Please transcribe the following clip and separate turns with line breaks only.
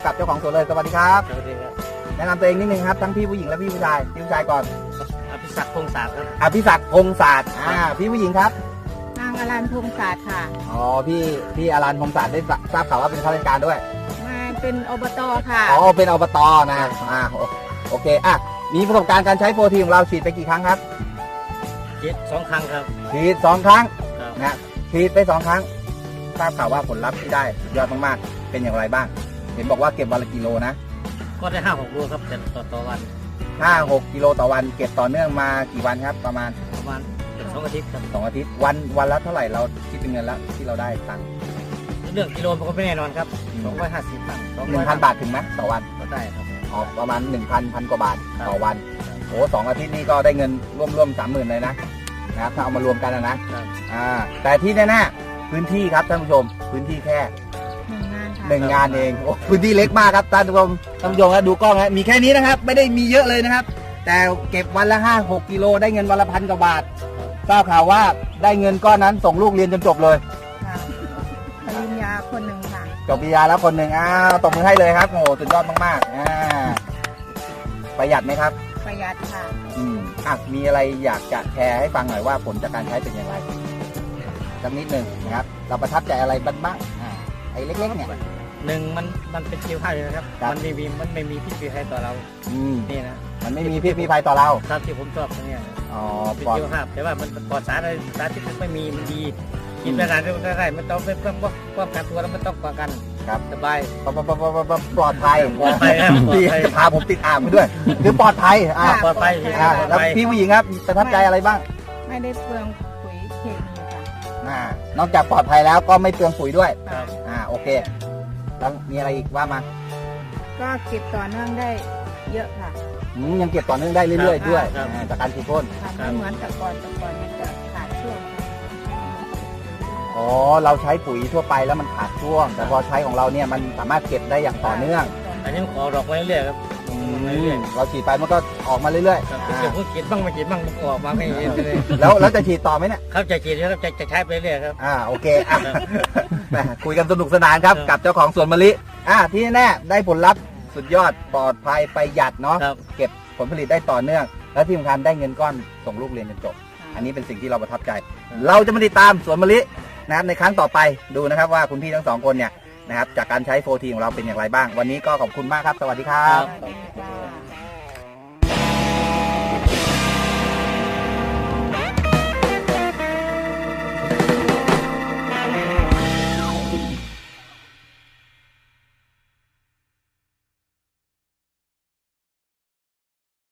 กับเจ้าของสวนเลยสวัสดีครับ
สวัสดีครับ
แนะนำตัวเองนิดนึงครับทั้งพี่ผู้หญิงและพี่ผู้ชายพี่ผู้ชายก่อน
อภิศักดิ์พงษ์ศาสตร์ครับ
อภิศักดิ์พงษ์ศาสตร์พี่ผู้หญิงครับ
นางอรัญพงศาสตร์ค่ะ
อ๋อพี่อรัญพงษ์ศาสตร์ได้ทราบข่าวว่าเป็นข้าราชการด้วย
มาเป็นอบตค่ะ
อ๋อเป็นอบตนะโอเคมีประสบการณ์การใช้โฟทีของเราฉีดไปกี่ครั้งครับ
ฉีด2 ครั้งครับ
ฉีด2 ครั้ง
ครับ
นะฉีดไป2 ครั้งทราบข่าวว่าผลลัพธ์ที่ได้สุดยอดมากๆเป็นอย่างไรบ้าง เห็นบอกว่าเก็บวันละกิโลนะ
ก็ได้5-6 โลครับแต่ต่อวัน
5-6 กิโลต่อวันเก็บต่อเนื่องมากี่วันครับประมาณ
ประมาณ2 อาทิตย์ครับ
2 อาทิตย์วันละเท่าไหร่เราคิดเป็นเงินแล้วที่เราได้ตังค์
เรื่องกิโลมันก็ไม่แน่นอนครับ250 ตังค์
1,000 บาทถึงไหมต่อวัน
ก็ได้ครับ
ประมาณ 1,000 กว่าบาท
ครับ
ต่อวันโอ้2 อาทิตย์นี่ก็ได้เงินร่วม 30,000 เลยนะครับถ้าเอามารวมกันนะ
ครับ
แต่ที่แน่ๆพื้นที่ครับท่านผู้ชมพื้นที่แค่
1 งานค่ะ
1 งานเองโอ้พื้นที่เล็กมากครับท่านผู้ชมนะดูกล้องนะมีแค่นี้นะครับไม่ได้มีเยอะเลยนะครับ แต่เก็บวันละ 5-6 กิโลได้เงินวันละ1,000 กว่าบาททราบข่าวว่าได้เงินก้อนนั้นส่งลูกเรียนจนจบเลย
ค่ะปริญญาคนหนึ่งค่ะ
จบปริญญาแล้วคนหนึ่งตบมือให้เลยครับโอ้โหสุดยอดมากประหยัดไหมครับ
ประหยัดค่ะ
มีอะไรอยากจะแชร์ให้ฟังหน่อยว่าผลจากการใช้เป็นอย่างไรสักนิดหนึ่งนะครับเราประทับใจอะไรบ้างไอ้เล็กๆเนี่ย
มันเป็นคิวข้าวเลยนะครับ
ครับ
มันไม่มีพิษมีภัยต่อเรา นี่นะ
มันไม่มีพิษมีภัยต่อเรา
ครับที่ผมชอบตรงเนี้ย
อ๋อ
เป็น
ปลอด
คิวข้าวแต่ว่ามันปลอดสารที่ไม่มีมันดีกินไปนานได้ไม่ต้องเป็นป้องกันตัวแล้วไม่ต้องป้องกัน
ครับ
สบาย
ปลอดภัย
ปลอดภัยครับปลอด
พี่
ภัย
พาผมติดอ่างไปด้วยคือปลอดภัย
ปลอดภัย
แล้วพี่ผู้หญิงครับประทับใจอะไรบ้าง
ไม่ได้เปลืองปุ๋ยเคมีค่ะ
นอกจากปลอดภัยแล้วก็ไม่เปลืองปุ๋ยด้วย
ครับ
โอเคแล้วมีอะไรอีกว่ามา
ก็เก็บต่อเนื่องได้เยอะค่ะ
ยังเก็บต่อเนื่องได้เรื่อยๆด้วย
ครับ
จากการฉีดพ่น
ค่ะไม่เหมือนแต่ก่อนมันจะขาดช่วงค่ะ
อ๋อเราใช้ปุ๋ยทั่วไปแล้วมันขาดช่วง แต่พอใช้ของเราเนี่ยมันสามารถเก็บได้อย่างต่อเนื่อง
อันนี้มันขอดอกไว้เรื่อยๆครับ
เราฉีดไปมันก็ออกมาเรื่อย
ครับ
ๆ
เดี๋ยวผมฉีดบ้างไม่ฉีดบ้างมันก็ออกมาไม่เห็นเลย
แล้วจะฉีดต่อไหมเนี่ย
เขาจะฉีดแล้วจะใช้ไปเรื่อยครับ
โอเคแหมคุยกันสนุกสนานครับ
ครับ
กับเจ้าของสวนมะลิที่แน่ๆได้ผลลัพธ์สุดยอดปลอดภัยประหยัดเนาะ
ครับ
เก็บผลผลิตได้ต่อเนื่อง และที่สำคัญได้เงินก้อนส่งลูกเรียนจนจบ อันนี้เป็นสิ่งที่เราประทับใจ เราจะมาติดตามสวนมะลินะครับในครั้งต่อไปดูนะครับว่าคุณพี่ทั้งสองคนเนี่ยนะครับจากการใช้โฟทีของเราเป็นอย่างไรบ้าง วันนี้ก็ขอบคุณมากครับ สวัสดีครับ
สวัสดีค่ะ